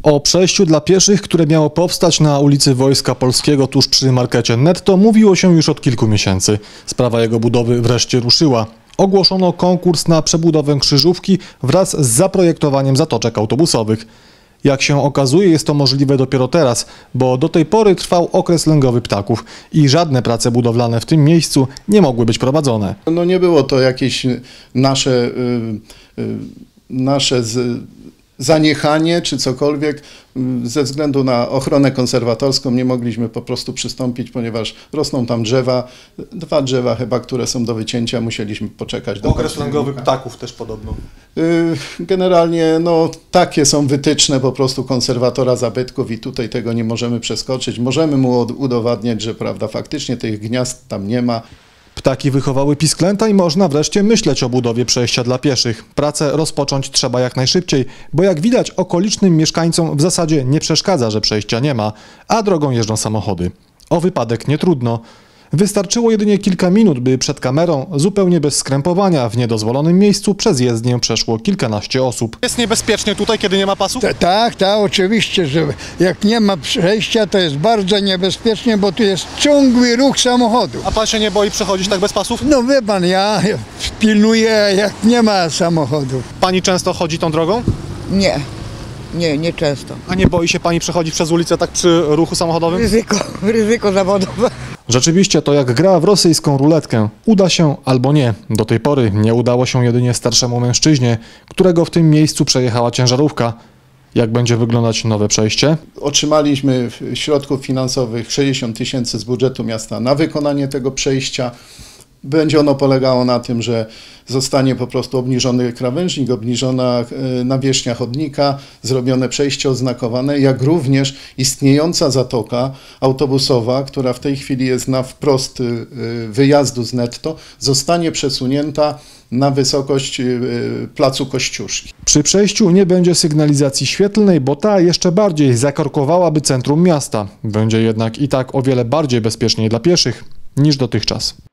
O przejściu dla pieszych, które miało powstać na ulicy Wojska Polskiego tuż przy markecie Netto, mówiło się już od kilku miesięcy. Sprawa jego budowy wreszcie ruszyła. Ogłoszono konkurs na przebudowę krzyżówki wraz z zaprojektowaniem zatoczek autobusowych. Jak się okazuje, jest to możliwe dopiero teraz, bo do tej pory trwał okres lęgowy ptaków i żadne prace budowlane w tym miejscu nie mogły być prowadzone. No nie było to jakieś nasze zaniechanie czy cokolwiek. Ze względu na ochronę konserwatorską nie mogliśmy po prostu przystąpić, ponieważ rosną tam drzewa, 2 drzewa chyba, które są do wycięcia, musieliśmy poczekać do okres lęgowy ptaków też podobno. Generalnie no, takie są wytyczne po prostu konserwatora zabytków i tutaj tego nie możemy przeskoczyć. Możemy mu udowadniać, że prawda, faktycznie tych gniazd tam nie ma. Ptaki wychowały pisklęta i można wreszcie myśleć o budowie przejścia dla pieszych. Pracę rozpocząć trzeba jak najszybciej, bo jak widać okolicznym mieszkańcom w zasadzie nie przeszkadza, że przejścia nie ma, a drogą jeżdżą samochody. O wypadek nie trudno. Wystarczyło jedynie kilka minut, by przed kamerą, zupełnie bez skrępowania, w niedozwolonym miejscu przez jezdnię przeszło kilkanaście osób. Jest niebezpiecznie tutaj, kiedy nie ma pasów? Tak, oczywiście, że jak nie ma przejścia, to jest bardzo niebezpiecznie, bo tu jest ciągły ruch samochodów. A pan się nie boi przechodzić tak bez pasów? No wie pan, ja pilnuję, jak nie ma samochodów. Pani często chodzi tą drogą? Nie często. A nie boi się pani przechodzić przez ulicę tak przy ruchu samochodowym? Ryzyko zawodowe. Rzeczywiście to jak gra w rosyjską ruletkę. Uda się albo nie. Do tej pory nie udało się jedynie starszemu mężczyźnie, którego w tym miejscu przejechała ciężarówka. Jak będzie wyglądać nowe przejście? Otrzymaliśmy środków finansowych 60 000 z budżetu miasta na wykonanie tego przejścia. Będzie ono polegało na tym, że zostanie po prostu obniżony krawężnik, obniżona nawierzchnia chodnika, zrobione przejście oznakowane, jak również istniejąca zatoka autobusowa, która w tej chwili jest na wprost wyjazdu z Netto, zostanie przesunięta na wysokość placu Kościuszki. Przy przejściu nie będzie sygnalizacji świetlnej, bo ta jeszcze bardziej zakorkowałaby centrum miasta. Będzie jednak i tak o wiele bardziej bezpieczniej dla pieszych niż dotychczas.